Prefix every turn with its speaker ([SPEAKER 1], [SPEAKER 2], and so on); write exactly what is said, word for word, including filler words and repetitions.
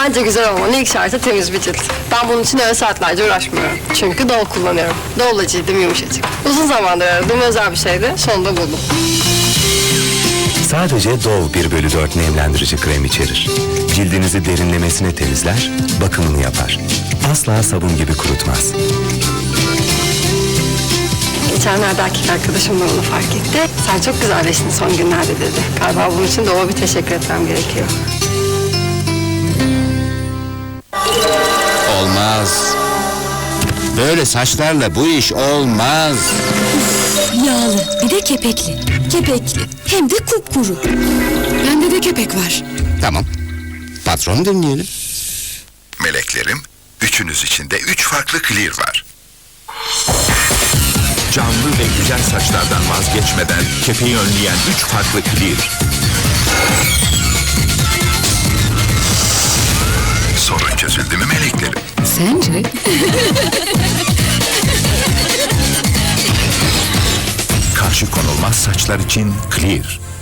[SPEAKER 1] Bence güzel olmanın ilk şartı temiz bir cilt. Ben bunun için öyle saatlerce uğraşmıyorum. Çünkü Dove kullanıyorum. Dove'la cildim yumuşacık. Uzun zamandır aradığım özel bir şeydi. Sonunda buldum.
[SPEAKER 2] Sadece Dove bir bölü dört nemlendirici krem içerir. Cildinizi derinlemesine temizler, bakımını yapar. Asla sabun gibi kurutmaz.
[SPEAKER 1] Geçenlerde erkek arkadaşım da onu fark etti. Sen çok güzelleştin son günlerde dedi. Galiba bunun için Dove'a bir teşekkür etmem gerekiyor.
[SPEAKER 3] Olmaz. Böyle saçlarla bu iş olmaz.
[SPEAKER 4] Yağlı, bir de kepekli. Kepekli, hem de kupkuru. Bende de kepek var.
[SPEAKER 3] Tamam. Patronu dinleyelim.
[SPEAKER 5] Meleklerim, üçünüz için de üç farklı clear var. Canlı ve güzel saçlardan vazgeçmeden kepeği önleyen üç farklı clear. Sorun çözüldü mü meleklerim?
[SPEAKER 4] Sence?
[SPEAKER 5] Karşı konulmaz saçlar için clear.